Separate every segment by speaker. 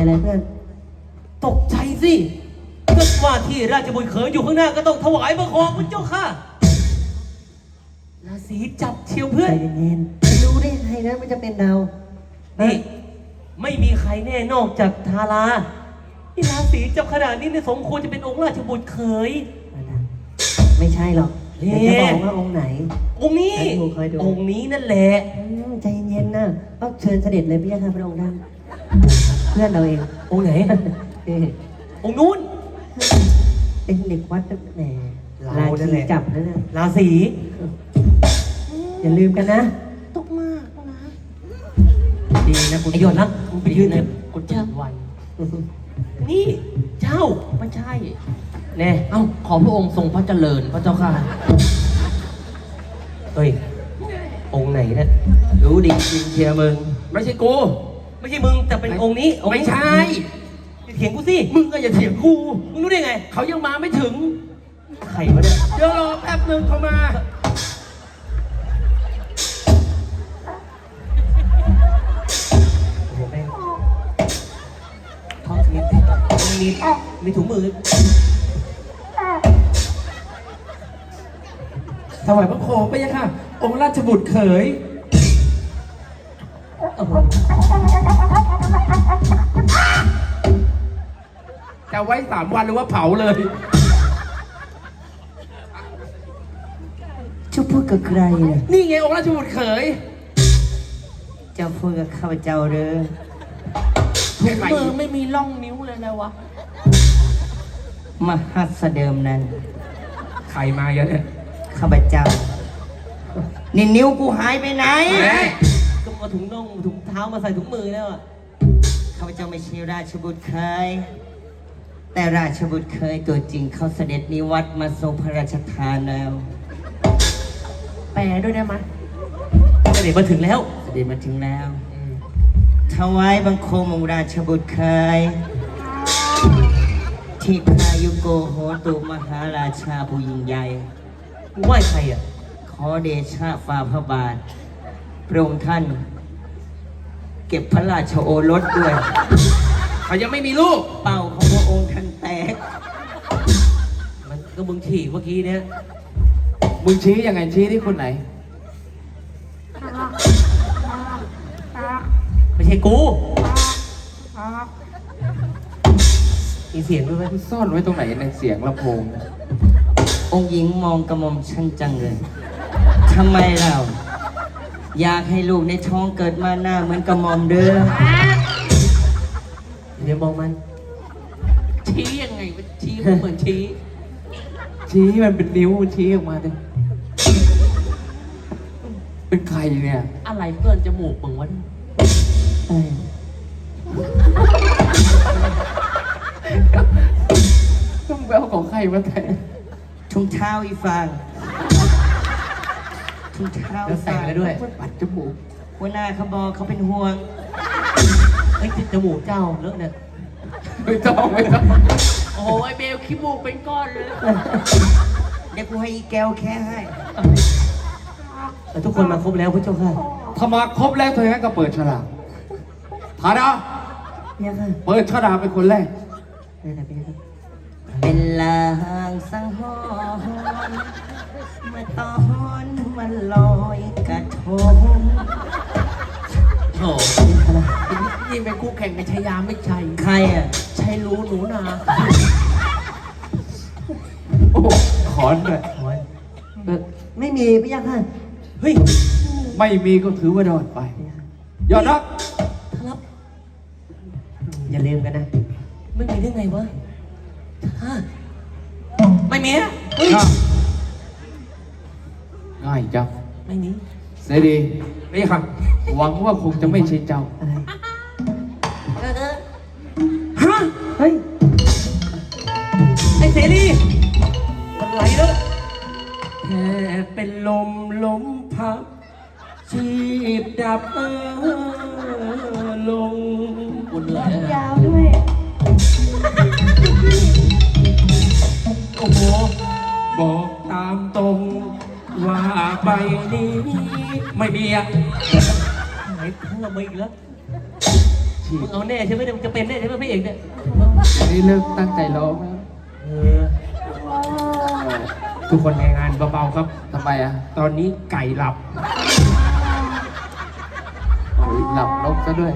Speaker 1: อะไรเพื่อน
Speaker 2: ตกใจสิก็ว่าที่ราชบุตรเขยอยู่ข้างหน้าก็ต้องถวายบังคมพระเจ้าค่ะราศีจับเชียวเพื่อน
Speaker 1: ใจเย็นๆรู้ได้ไงนะมันจะเป็นเรา
Speaker 2: นี่ไม่มีใครแน่นอกจากทาราที่ราศีจับขนาดนี้เนี่ยสมควรจะเป็นองค์ราชบุตรเขย
Speaker 1: ไม่ใช่หรอกจะบอกว่าองค์ไหน
Speaker 2: องค์นี้องค์นี้นั่นแหละ
Speaker 1: ใจเย็นๆนะก็เชิญเสด็จเลยพี่ค่ะพระองค์ท่านเพื่อนเราเอง
Speaker 2: องค์ไหนองค์นู้น
Speaker 1: เป็นเด็กวัดแหมราศีจับนั่นน่ะ
Speaker 2: ราศี
Speaker 1: อย่าลืมกันนะ
Speaker 3: ตกมากนะ
Speaker 2: ดีนะคุณไอหยดนะคุณไปยืนเนี่ยกดเจ้าวันนี่เจ้า
Speaker 3: ไม่ใช่
Speaker 2: แน่
Speaker 3: เอ้าขอพระองค์ทรงพระเจริญพระเจ้าค่ะ
Speaker 2: เฮ้ยองค์ไหนเนี่ยรู้ดีจริงเชียร์มึง
Speaker 3: ไม่ใช่กู
Speaker 2: ไม่ใช่มึงแต่เป็นองค์นี้
Speaker 3: ไม่ใช่
Speaker 2: เถียงกูสิ
Speaker 3: มึงก็อย่าเถียงกู
Speaker 2: มึงรู้ได้ไง
Speaker 3: เขายังมาไม่ถึง
Speaker 2: ใครวะเนี่ย
Speaker 3: เดี๋ยวรอแป๊บนึงเขามา
Speaker 2: โอ้โหแม่งท้องมีถุงมือ
Speaker 3: ถวายพระโคมไปยังค่ะองค์ราชบุตรเขยจะไว้3 วันหรือว่าเผาเลย
Speaker 1: จะพูดกับใครเนี่ย
Speaker 3: นี่ไงองค์ราชบุตรเขย
Speaker 1: จะพูดกับข้าพเจ้าเด้อ
Speaker 3: มือไม่มีร่องนิ้วเลยนะวะ
Speaker 1: มหัสเดิมนั้น
Speaker 3: ใครมาเยอะเนี่ย
Speaker 1: ข้าพเจ้านี่นิ้วกูหายไปไหน
Speaker 2: ก็มาถุงน่องถุงเท้ามาใส่ถุงมือแล้วอ่ะ
Speaker 1: ข้าพเจ้าไม่ใช่ราชบุตรเคยแต่ราชบุตรเคยตัวจริงเขาเสด็จนิวัตมาทรงพระราชทานแล้ว
Speaker 3: แปลด้วยได้ไหม
Speaker 2: เสด็จมาถึงแล้ว
Speaker 1: เสด็จมาถึงแล้วถวายบังคมองค์ราชบุตรเคยที่พายุโกโหตุมหาราชาผู้ยิ่งใหญ่
Speaker 2: ไหว้ใครอ่ะ
Speaker 1: ขอเดชะฝ่าพระบาทพระองค์ท่านเก็บพระราชโอรสด้วย
Speaker 3: เขายังไม่มีลูก
Speaker 1: เป่าของพระองค์ท่านแตก
Speaker 2: มันก็มึงฉี่เมื่อกี้เนี่ย
Speaker 3: มึงชี้ยังไงชี้ที่คนไหน
Speaker 2: ไม่ใช่กูมีเสียงด้วยไหม
Speaker 3: ซ่อนไว้ตรงไหนในเสียงลำโพง
Speaker 1: องค์หญิงมองกระหม่อมฉันจังเลยทำไมเราอยากให้ลูกในท้องเกิดมาหน้าเหมือนกระหม่อมเด้อ
Speaker 2: เดี๋ยวมองมัน
Speaker 3: ชี้ยังไงชี้เหมือนชี้มันเป็นนิ้วมันชี้ออกมาเลยเป็นใครเนี่ยอะไรเพื่อนจมูกมึงวะต้องแววของใครมาแต่
Speaker 1: ทุ่งเท้าอีฟางทุ่งเท้า
Speaker 2: แล้วแต่งแล้วด้วย
Speaker 3: ปัดจมูก
Speaker 1: หัวหน้าเขาบอกเขาเป็นห่วง
Speaker 2: ไอ้จมูกเจ้าเลอะเนี่ย
Speaker 3: ไม่ต้องโอ้ยเบลขี้มูกเป็นก้อนเลย
Speaker 1: เดี๋ยวกูให้อีแก้วแค่ให้
Speaker 2: แต่ทุกคนมาครบแล้วพระเจ้าค่ะ
Speaker 3: ถ้ามาครบแล้วเธองั้นก็เปิดฉลากฐานะเปิดฉลากเป็นคนแรก
Speaker 1: เป็นลางสังหรณ์เมื่อตอนมันลอยกระทง
Speaker 3: โอ้นี่เป็นคู่แข่งในชายาไม่ใช่
Speaker 1: ใครอ่ะ
Speaker 3: ใช่รู้หนูนาโอ้ขอนเลย
Speaker 1: ไม่มีพี่ยักษ์ค่ะ
Speaker 2: เฮ้ย
Speaker 3: ไม่มีก็ถือว่าโดนไปยอดนัก
Speaker 2: ครับ
Speaker 1: อย่าลืมกันนะ
Speaker 2: ไม่มีได้ไงวะไม่มีอ่ะ
Speaker 3: ง่ายจัง
Speaker 2: ไม่มี
Speaker 3: เสดีนี่ค่ะหวังว่าคงจะไม่ใช่เจ้า
Speaker 1: อะไร
Speaker 2: ฮะ
Speaker 1: เฮ้ย
Speaker 2: ไอ้เสรีมันไหลแล้วแค่เป็นลมพับชีพดับลง
Speaker 3: ปวดเหนื่อย
Speaker 1: ยาวด้วย
Speaker 2: โอ้โห
Speaker 3: บอกตามตรงว่าใบนี้ไม่มีอะ
Speaker 2: ไหนเพิ่มมาอีกแล้ว
Speaker 3: ชี
Speaker 2: ฉีก
Speaker 3: มึงเอาแน่ใช่ไหมเนี่ยมึงจะเป็นแน่ใช่ไหมพระเอกเนี่ย
Speaker 2: อันนี้เลิกตั้งใจร้องแล้ว
Speaker 3: เออทุกคนในงานเบาๆครับ
Speaker 2: ทำไมอ่ะ
Speaker 3: ตอนนี้ไก่หลับ
Speaker 2: โอ้ยหลับลงซะด้วย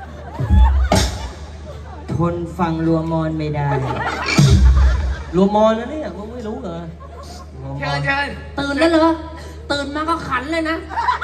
Speaker 1: ทนฟังรัวมอนไม่ได้
Speaker 3: รวมมอนแล้วเนี่ยมึงไม่รู้เหรอ
Speaker 2: เชิญเชิญ
Speaker 3: ตื่นแล้วเหรอ ตื่นมาก็ขันเลยนะ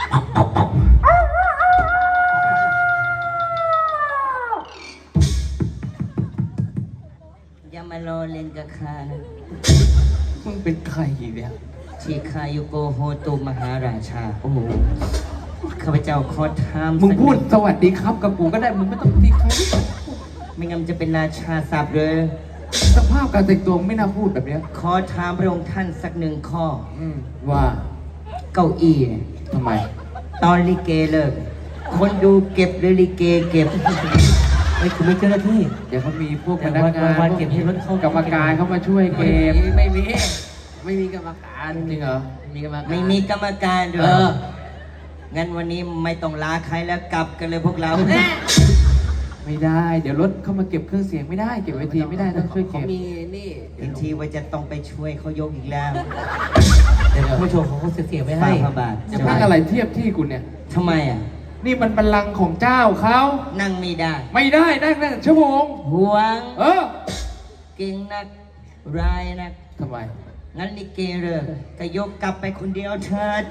Speaker 1: อย่ามารอเล่นกับข้านะ
Speaker 2: มึงเป็นใครเนี่ย
Speaker 1: ชีคายุโกโฮตุมหาราชา
Speaker 2: โอ้โห
Speaker 1: ข้าพเจ้าขอถาม
Speaker 2: มึง
Speaker 1: สัก
Speaker 2: พูด
Speaker 1: หนึ่
Speaker 2: สวัสดีครับกับกูก็ได้ มึงไม่ต้องตีเขา
Speaker 1: ไม่งั้นมันจะเป็นราชาศัพท์เลย
Speaker 2: สภาพการแต่งตัวไม่น่าพูดแบบเนี้ย
Speaker 1: ขอถามพระองค์ท่านสักหนึ่งข้อ
Speaker 2: ว่า
Speaker 1: เก้าอี้เนี่ย
Speaker 2: ทำไม
Speaker 1: ตอนลิเกเลิก คนดูเก็บหรือลิเกเก็บ
Speaker 3: ไอ้คุณไม่เจ้าหน้าที่
Speaker 2: เดี๋ยวเขามีพวกพ
Speaker 3: แต่
Speaker 2: นักงาน
Speaker 3: วันเก็บให้รถเข้าก
Speaker 2: รรมการเข้ามาช่วยเกม
Speaker 3: ไม่มีกรรมการ
Speaker 2: จริงเหรอ
Speaker 3: ไม่มีกรรมการ
Speaker 1: ไม่มีกรรมการด้ว
Speaker 3: เอย อ
Speaker 1: งั้นวันนี้ไม่ต้องลาใครแล้วกลับกันเลยพวกเรา
Speaker 2: ไม่ได้ เดี๋ยวรถเข้ามาเก็บเครื่องเสียงไม่ได้ เก็บเวทีไม่ได้ต้องช่วย
Speaker 3: เขา
Speaker 2: เก็บ
Speaker 3: มีนี่
Speaker 1: เห็นทีว่าจะต้องไปช่วยเขายกอีกแล้ว
Speaker 3: เดี๋ยวผู้ชมเขาเสียไปให้
Speaker 1: ฝ่าพระบาท
Speaker 2: จะพักอะไรเทียบที่กูเนี่ย
Speaker 1: ทำไมอ่ะ
Speaker 2: นี่มันบัลลังก์ของเจ้าเขา
Speaker 1: นั่งไม่ได้
Speaker 2: ไม่ได้นั่งชั่วโมง
Speaker 1: ห่วง
Speaker 2: เออ
Speaker 1: เก่งนักรายนัก
Speaker 2: ทำไม
Speaker 1: งั้นลิเกเลิกก็ยกกลับไปคนเดียวเถิด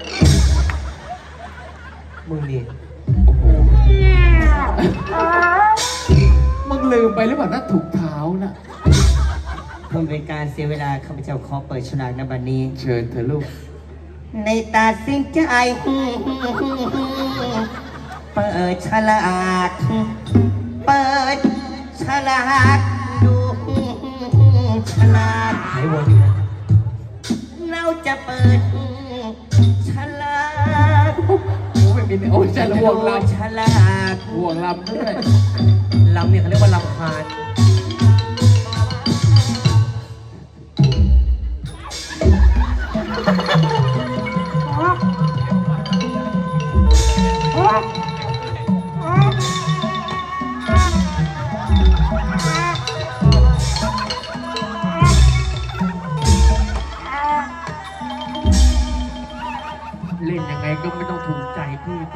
Speaker 3: มึงดิ
Speaker 2: โอ้โห มึงลืมไปหรือเปล่านะถูกเท้านะ
Speaker 1: เพื่อเป็นการเสียเวลาข้าพเจ้าขอเปิดฉลากในบัดนี้
Speaker 2: เชิญเธอะลูก
Speaker 1: ในตัดสินใจเปิดฉลากเปิดฉลากดูฉลาก
Speaker 3: หายวนอีกแล้ว
Speaker 1: เราจะเปิดฉลาก
Speaker 2: โอ้ไม่มีโอ้ยจะห่วงล
Speaker 1: ฉลาก
Speaker 2: ำห่วงลำด้วย
Speaker 3: ลำเนี่ยเขาเรียกว่าลำคาญ เล่นยังไงก็ไม่ต้องถูกใจพี่ไป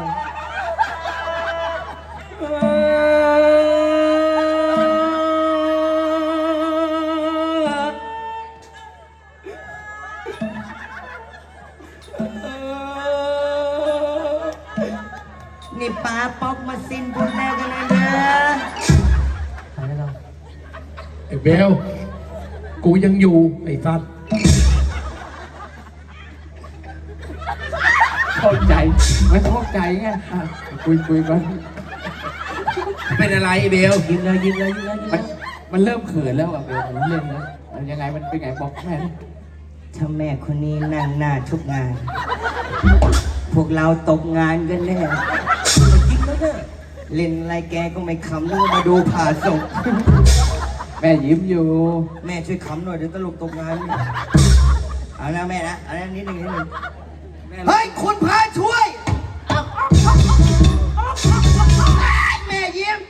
Speaker 1: นี่ป้าป๊อกมาสิ้นบุญแล้วกันนะเด้อ
Speaker 3: ไปแล้วเรา
Speaker 4: ไอ้เบล กูยังอยู่ ไอ้สัตว์
Speaker 2: เข้าใจมันเข้าใจไงอ่ะคุยกัน
Speaker 4: เป็นอะไรไอ้เบล
Speaker 3: ยิ้มเลยยิ้มเลยยิ้มเลยยิ้ม
Speaker 2: มั
Speaker 3: เล
Speaker 2: น
Speaker 3: ย
Speaker 2: มันเริ่มเขินแล้วอ่ะเบลมันเล่นแล้วมันยังไงมันเป็นไงบอกแม่ดิ
Speaker 1: ถ้าแม่คนนี้นั่งหน้าทุกงาน พวกเราตกงานกันแน่
Speaker 3: จริงแล้วเนี่ย
Speaker 1: เล่นอะไรแกก็ไม่ขำนึกว่ามาดูผ่าศพ
Speaker 2: แม่ยิ้มอยู่
Speaker 1: แม่ช่วยขำหน่อยเดี๋ยวตลกตกงาน เอานะแม่นะเอานะนิดหนึ่งเฮ้ยคุณพาช่วย แม่ยิ้ม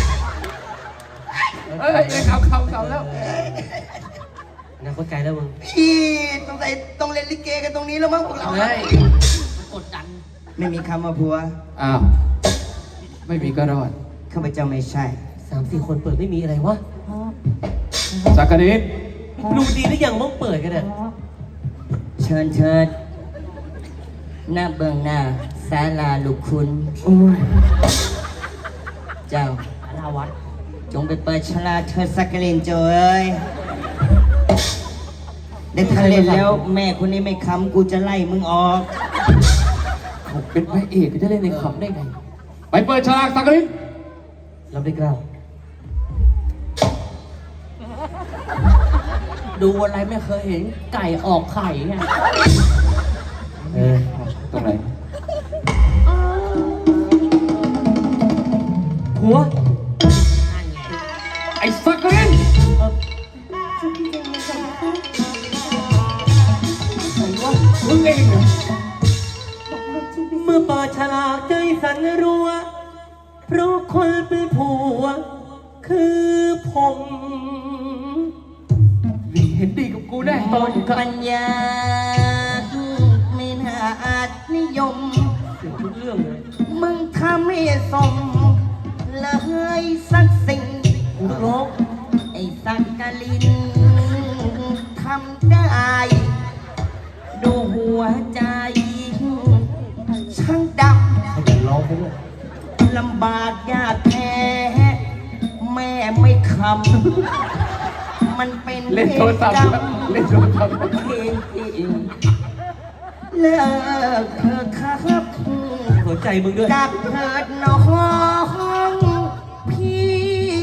Speaker 2: เอ้ยเขาแล้ว
Speaker 3: นะเข้าใจแล้วมึง
Speaker 1: พี่ต้องเล่นลิเกกันตรงนี้แล้วมั้งพวกเรา
Speaker 3: เฮ้ยมันกดดัน
Speaker 1: ไม่มีคำว่าผัว
Speaker 2: อ้าวไม่มีก็รอด
Speaker 1: ข้าพเจ้าไม่ใช่
Speaker 3: 3-4 คนเปิดไม่มีอะไรวะ
Speaker 2: สักกะดิน
Speaker 3: ดูดีหรือยังมึงเปิดกันเนี่ย
Speaker 1: เชิญเชิญหน้าเบื้องหน้าศาลาลูกคุณ
Speaker 2: โอ้ย
Speaker 1: เจ้า
Speaker 3: ลาวัด
Speaker 1: จงไปเปิดฉลาดเธอสักกะลินเจ้าเอ้ยได้ถ้าเล่นแล้วแม่คนนี้ไม่ค้ำกูจะไล่มึงออก
Speaker 2: เขาเป็นพระเอกจะเล่นในขำได้ไง ไปเปิดฉลากสักกะดิน
Speaker 3: รับได้กล้าวดูอะไรไม่เคยเห็นไก่ออกไข่ไง
Speaker 2: ตรงไหน
Speaker 3: หัว
Speaker 2: ไอ้สักกะดินมึงเองเหรอ
Speaker 3: เมื่อเปิดฉลากใจสั่นรัว เพราะ
Speaker 2: คนเป็นผัวคือผม
Speaker 3: นี่เห็นดีกับกูแน่
Speaker 1: หมดปัญญาไม่น่าอาจนิยม
Speaker 2: เสียทุกเรื่องเลย
Speaker 1: มึงทำให้สมเลยสักสิ่ง
Speaker 2: กูต้องร้อง
Speaker 1: ไอ้สักกะลินทำได้ ดูหัวใจช่างด
Speaker 2: เขาจะร้องไปด้วย
Speaker 1: ำลำบากยากแท้แม่ไม่คำมันเป็น
Speaker 3: เล่นโทรศัพท์
Speaker 1: กรรม
Speaker 3: เล่นโทรศัพท์
Speaker 1: เลิกเถอะครับ
Speaker 2: หัวใจมึงด้วย
Speaker 1: กับเถิดน้องพี่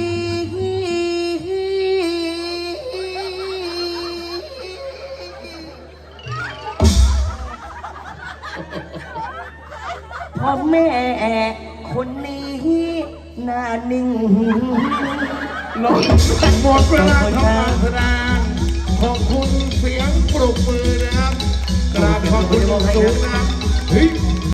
Speaker 1: พ่อแม่คนนี้หน้านิ่ง
Speaker 4: หมดเวลาทำการแสดงขอบคุณเสียงปรบมือนะครับกราบขอบคุณอย่างสูงนะครับเฮ้ย